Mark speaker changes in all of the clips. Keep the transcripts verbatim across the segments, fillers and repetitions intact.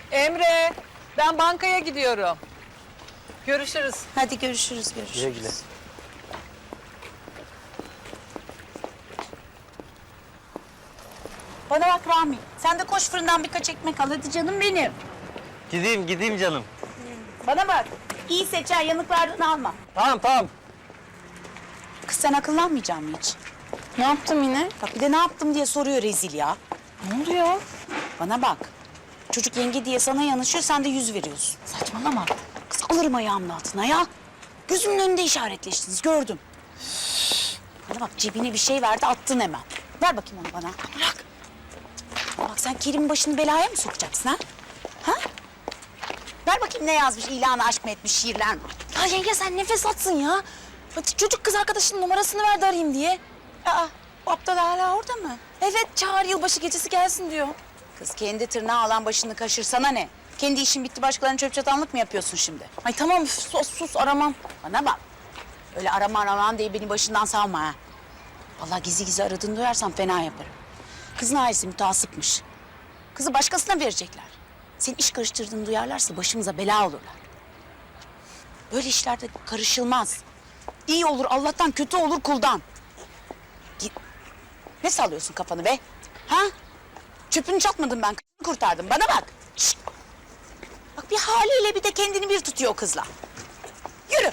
Speaker 1: Emre, ben bankaya gidiyorum. Görüşürüz.
Speaker 2: Hadi görüşürüz, görüşürüz.
Speaker 3: Güle güle.
Speaker 2: Bana bak Rami, sen de koş fırından birkaç ekmek al hadi canım benim.
Speaker 3: Gideyim gideyim canım.
Speaker 2: Bana bak, iyi seçer yanıklardan alma.
Speaker 3: Tamam tamam.
Speaker 2: Kız sen akıllanmayacak mı hiç?
Speaker 4: Ne yaptım yine?
Speaker 2: Bak bir de ne yaptım diye soruyor rezil ya.
Speaker 4: Ne oluyor?
Speaker 2: Bana bak, çocuk yenge diye sana yanaşıyor, sen de yüz veriyorsun.
Speaker 4: Saçmalama.
Speaker 2: Kız alırım ayağımın altına ya. Gözümün önünde işaretleştiniz, gördüm. Bana bak cebine bir şey verdi, attın hemen. Ver bakayım onu bana. Bırak. Bak sen Kerim'in başını belaya mı sokacaksın ha? Ha? Ver bakayım ne yazmış, ilanı aşk mı etmiş, şiirler mi?
Speaker 4: Ya yenge sen nefes atsın ya. Hadi çocuk kız arkadaşının numarasını verdi arayayım diye.
Speaker 2: Aa, bu aptal hala orada mı?
Speaker 4: Evet çağır yılbaşı gecesi gelsin diyor.
Speaker 2: Kız kendi tırnağı alan başını kaşırsana ne? Kendi işin bitti başkalarına çöp çatanlık mı yapıyorsun şimdi?
Speaker 4: Ay tamam üf, sus sus aramam.
Speaker 2: Bana bak. Öyle arama araman diye beni başından savma ha. Vallahi gizli gizli aradığını duyarsam fena yaparım. Kızın ailesi mütehassıpmış. Kızı başkasına verecekler. Senin iş karıştırdığını duyarlarsa başımıza bela olurlar. Böyle işlerde karışılmaz. İyi olur Allah'tan, kötü olur kuldan. Git. Ne sallıyorsun kafanı be? Ha? Çöpünü çatmadım ben, kızını kurtardım. Bana bak. Şişt. Bak bir haliyle bir de kendini bir tutuyor o kızla. Yürü.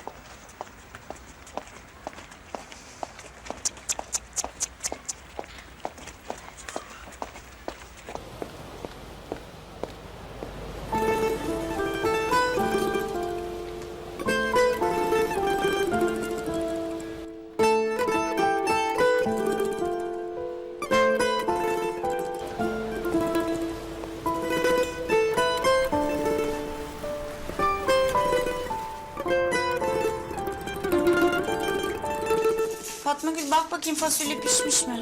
Speaker 4: Fatma Gül bak bakayım fasulye pişmiş mi?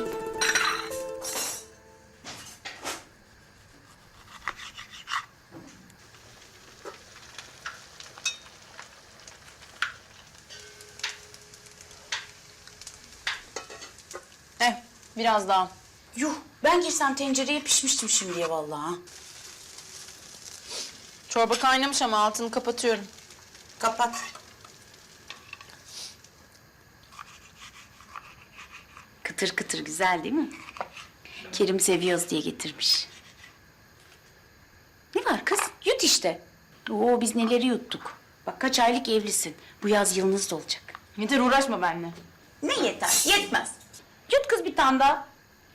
Speaker 4: Eh biraz daha.
Speaker 2: Yuh, ben girsem tencereye pişmiştim şimdiye vallahi. ha.
Speaker 4: Çorba kaynamış ama altını kapatıyorum.
Speaker 2: Kapat. Kıtır kıtır güzel değil mi? Kerim seviyoruz diye getirmiş. Ne var kız? Yut işte. Oo biz neleri yuttuk. Bak kaç aylık evlisin. Bu yaz yılınız da olacak.
Speaker 4: Yeter uğraşma benimle.
Speaker 2: Ne yeter? Yetmez. Yut kız bir tane daha.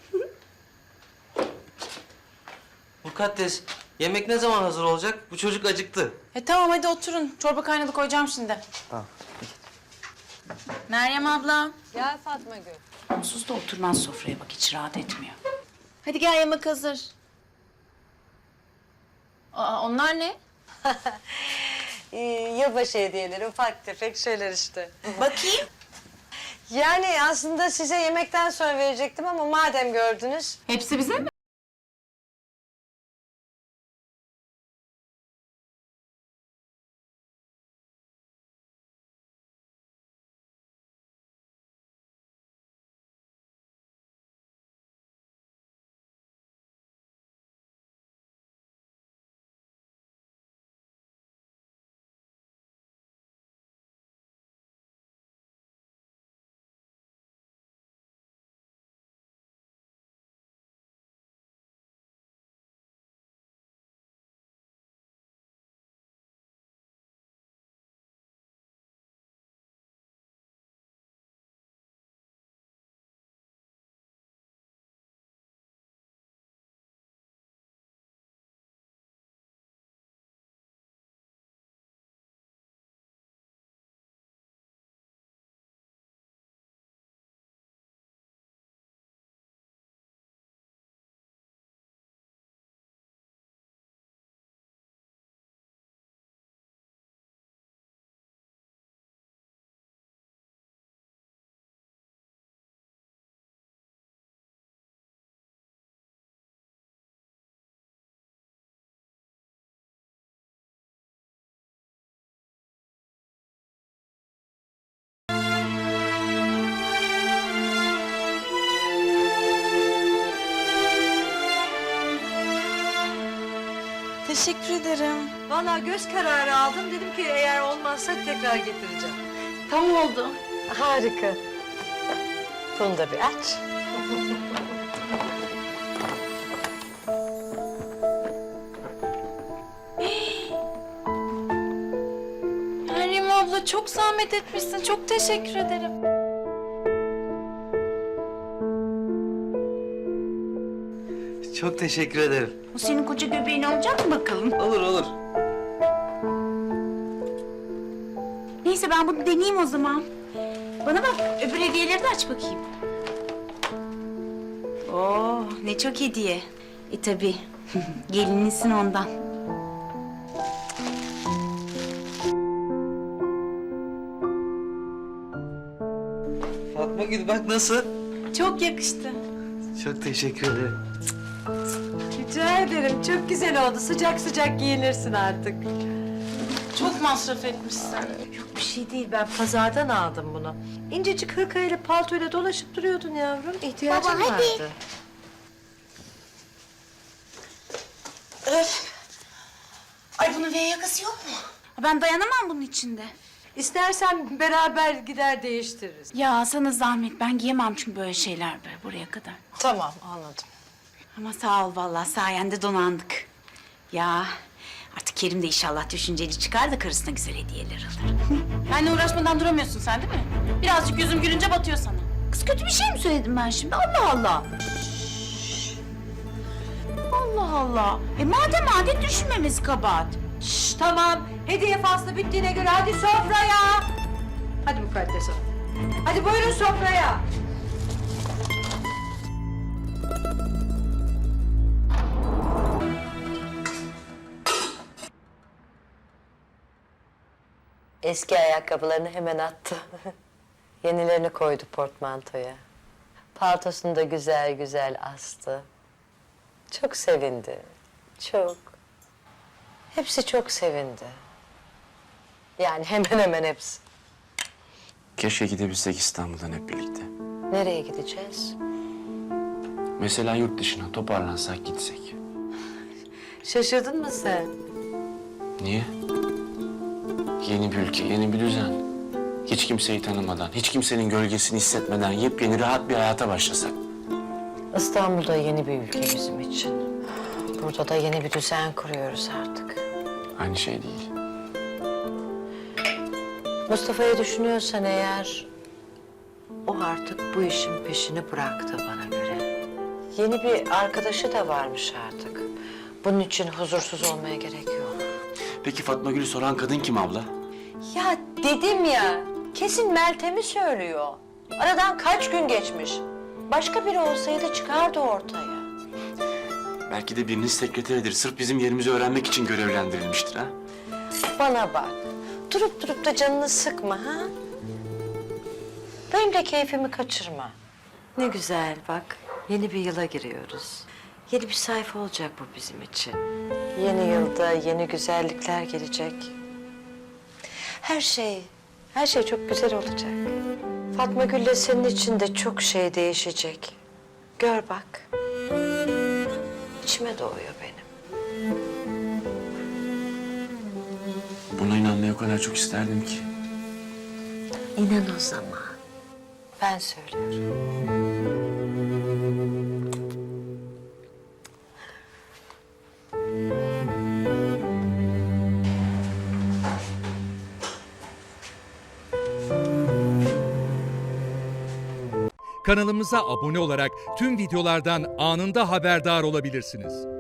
Speaker 3: Mukaddes, yemek ne zaman hazır olacak? Bu çocuk acıktı.
Speaker 4: E tamam hadi oturun. Çorba kaynadı koyacağım şimdi.
Speaker 3: Tamam.
Speaker 4: Meryem abla.
Speaker 1: Gel Fatma Gül.
Speaker 2: Onsuz da oturmaz sofraya bak hiç rahat etmiyor.
Speaker 4: Hadi gel yemek hazır. Aa, onlar ne?
Speaker 5: Ee, yılbaşı hediyeleri, ufak tefek şeyler işte.
Speaker 2: Bakayım.
Speaker 5: Yani aslında size yemekten sonra verecektim ama madem gördünüz...
Speaker 4: Hepsi bize mi? Teşekkür ederim.
Speaker 5: Vallahi göz kararı aldım. Dedim ki eğer olmazsa tekrar getireceğim.
Speaker 4: Tam oldu.
Speaker 5: Harika. Bunu da bir aç.
Speaker 4: Meryem abla çok zahmet etmişsin. Çok teşekkür ederim.
Speaker 3: Çok teşekkür ederim.
Speaker 2: O senin koca göbeğin olacak mı bakalım?
Speaker 3: Olur olur.
Speaker 2: Neyse ben bunu deneyeyim o zaman. Bana bak öbür hediyeleri de aç bakayım. Oo ne çok hediye. E tabii gelinisin ondan.
Speaker 3: Fatma Gül bak nasıl?
Speaker 4: Çok yakıştı.
Speaker 3: Çok teşekkür ederim.
Speaker 5: Rica ederim. Çok güzel oldu. Sıcak sıcak giyinirsin artık.
Speaker 4: Çok masraf etmişsin.
Speaker 5: Yok bir şey değil. Ben pazardan aldım bunu. İncecik hırkayla paltoyla dolaşıp duruyordun yavrum. İhtiyacın
Speaker 2: Baba, hadi.
Speaker 5: vardı.
Speaker 2: Öf. Ay bunun V yakası yok mu? Ben dayanamam bunun içinde.
Speaker 5: İstersen beraber gider değiştiririz.
Speaker 2: Ya sana zahmet ben giyemem çünkü böyle şeyler böyle buraya kadar.
Speaker 5: Tamam anladım.
Speaker 2: Ama sağ ol vallahi sayende donandık. Ya artık Kerim de inşallah düşünceli çıkar da karısına güzel hediyeler alır. Benimle uğraşmadan duramıyorsun sen değil mi? Birazcık yüzüm gülünce batıyor sana. Kız kötü bir şey mi söyledim ben şimdi? Allah Allah. Allah Allah. E madem adet düşünmemiz kabahat.
Speaker 5: Şş, tamam. Hediye faslı bittiğine göre hadi sofraya. Hadi mukaddes hanım. Hadi buyurun sofraya. Eski ayakkabılarını hemen attı. Yenilerini koydu portmantoya. Paltosunu da güzel güzel astı. Çok sevindi. Çok. Hepsi çok sevindi. Yani hemen hemen hepsi.
Speaker 6: Keşke gidebilsek İstanbul'dan hep birlikte.
Speaker 5: Nereye gideceğiz?
Speaker 6: Mesela yurt dışına toparlansak gitsek.
Speaker 5: Şaşırdın mı sen?
Speaker 6: Niye? Yeni bir ülke, yeni bir düzen. Hiç kimseyi tanımadan, hiç kimsenin gölgesini hissetmeden yepyeni rahat bir hayata başlasak.
Speaker 5: İstanbul'da yeni bir ülke bizim için. Burada da yeni bir düzen kuruyoruz artık.
Speaker 6: Aynı şey değil.
Speaker 5: Mustafa'yı düşünüyorsan eğer... ...o artık bu işin peşini bıraktı bana göre. Yeni bir arkadaşı da varmış artık. Bunun için huzursuz olmaya gerek yok.
Speaker 6: Peki Fatma Gül'ü soran kadın kim abla?
Speaker 5: Ya dedim ya, kesin Meltem'i söylüyor. Aradan kaç gün geçmiş. Başka biri olsaydı çıkardı ortaya.
Speaker 6: Belki de birinin sekreteridir. Sırf bizim yerimizi öğrenmek için görevlendirilmiştir ha?
Speaker 5: Bana bak, durup durup da canını sıkma ha. Benim de keyfimi kaçırma. Ne güzel bak, yeni bir yıla giriyoruz. Yeni bir sayfa olacak bu bizim için. Yeni yılda yeni güzellikler gelecek. Her şey, her şey çok güzel olacak. Fatma Gül'le senin için de çok şey değişecek. Gör bak. İçime doğuyor benim.
Speaker 6: Buna inanmayı o kadar çok isterdim ki.
Speaker 5: İnan o zaman. Ben söylüyorum.
Speaker 7: Kanalımıza abone olarak tüm videolardan anında haberdar olabilirsiniz.